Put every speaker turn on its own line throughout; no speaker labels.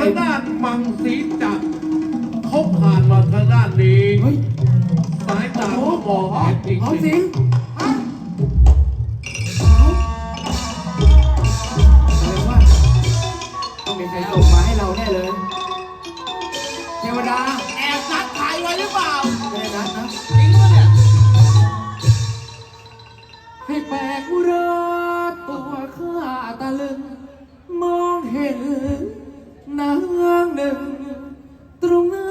างด้านมังสีจักรเขาผ่านมาทางด้านนี้สายตาเขามองเห็นจริง
หอมสิงอะไรวะต้องมีใครส่งมาให้เราแน่เลยเทวดา
แอบนัดใครไว้หรือเปล่า
ไม่ได้นัดนะ
จริงปะเนี่ย
ให้แปลกอุราตัวข้าตะลึงมองเห็นนางหนึ่งตรงหน้า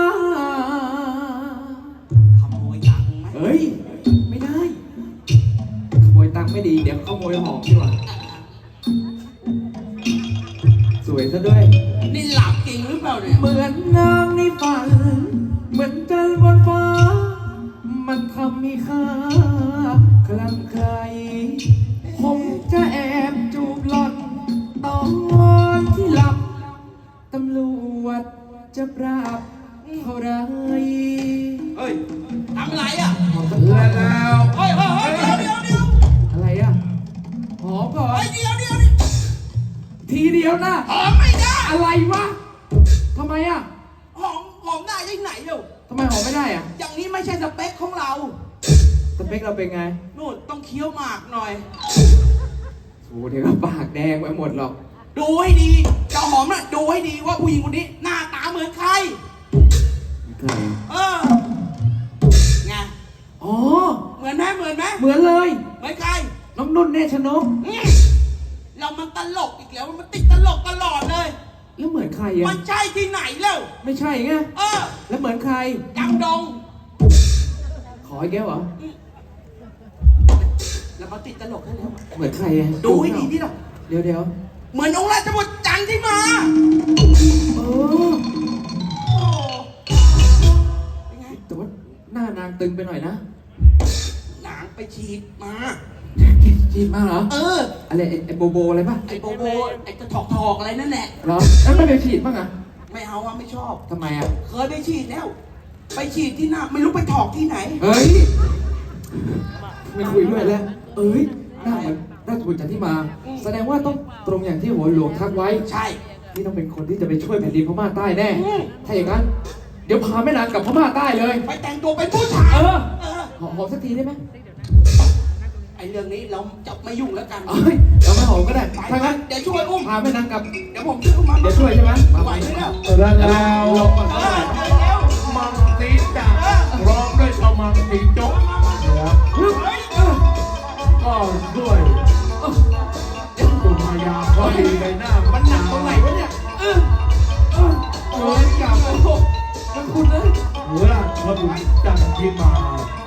ขโมยตังค์ไหม
เฮ้ย ไม่ได้ ขโมยตังค์ไม่ดี เดี๋ยวขโมยหอมดีกว่าสวยซะด้วย
นี่หลับจริงหรือเปล่าเนี่ย
เหมือนนางในฝัน เหมือนจันทร์บนฟ้า มันทำให้ข้าคลั่งไคล้ผมจะแอบจูบหล่อนตอนที่หลับ ตำรวจจะปราบเท่าไร
เฮ้ยทำอะไรอ่ะ
และแล้ว
เฮ้ยเฮ้ยเฮ้ยเดี๋ยว
อะไรอ่ะ หอมก่อน
เฮ้ยเดี๋ยว
ทีเดียวนะ
หอมไม่ได้
อะไรวะทำไมอ่ะ
หอมได้ที่ไหนเดี๋ยว
ทำไมหอมไม่ได้อ่ะ
อย่างนี้ไม่ใช่สเปคของเรา
สเปคเราเป็นไง
นู่นต้องเคี้ยวหมากหน่อย
โอ้เดี๋ยวก็ปากแดงไปหมดหรอก
ดูให้ดีเจ้าหอมน่ะดูให้ดีว่าผู้หญิงคนนี้หน้าตาเหมือนใคร
ใคร
เออ ไง
อ๋อ
เหมือนไหมเหมือนไหม
เหมือนเลย
เหมือนใคร
น้องนุ่นเนชนก
เรามันตลกอีกแล้วมันติดตลกตลอดเลย
แล้วเหมือนใคร
มั
อ่ะ
นใช่ที่ไหนแล้ว
ไม่ใช่ไง
เออ
แล้วเหมือนใคร
ดังดง
ขออีกแก้วเหรอ
แล้วมาติดตลกได้แล้ว
เหมือนใครอ่ะ
ดูให้ดีนี่หรอ
เดี๋ยว
เหมือนองค์ราชบุตรจันทร์ที่มา
เออ
โอ้เป็นไง
แต่ว่าหน้านางตึงไปหน่อยนะ
หนังไปฉีดมา
จีบมาเหรอ
เออ
อะไรไอ้โบโบอะไรป่ะ
ไอ้โบโบไอ้กระถอกอะไรนั่นแหละ
เหรอแล้วไม่ไปฉีดบ้างอ่ะ
ไม่เอาอะไม่ชอบ
ทำไมอ่ะ
เคยไปฉีดแล้ว ไปฉีดที่หน้าไม่รู้ไปถอกที่ไหน
เฮ้ย ไม่คุยด้วยแล้ว เอ้ยหน้าเหมือนราชบุตรจันทร์ที่มา แสดงว่าต้องตรงอย่างที่หัวหลวงทักไว้
ใช่
นี่ต้องเป็นคนที่จะไปช่วยแผ่นดินพม่าใต้แน่
อืม
ถ้าอย่างนั้น เดี๋ยวพาแม่นางกลับพม่าใต้เลย
ไปแต่งตัวเป็นผู้ชาย
เออ
เออ
หอมสักทีได้ไหม
ไอ้เรื่องนี้เราจะไม่ยุ่งแล้วกัน
เอ้ยเราไม่หอมก็ได้ ถ้างั้น
เดี๋ยวช่วยอุ้ม
พาแม่นางกลับ
เดี๋ยวผมช่วยอุ้มมา
เดี๋ยวช่วยใช่ไหม
ไหวไหมเนี่ย
และแล้วมังสีจักรพร้อมด้วยชาวมังสีจกก็ด้วยสุมายาพอดีใบหน้า
มันหนักตรงไหนวะเนี่ย
เหมือนกับ
มันคุณเลย
ราชบุตรจันทร์ที่มา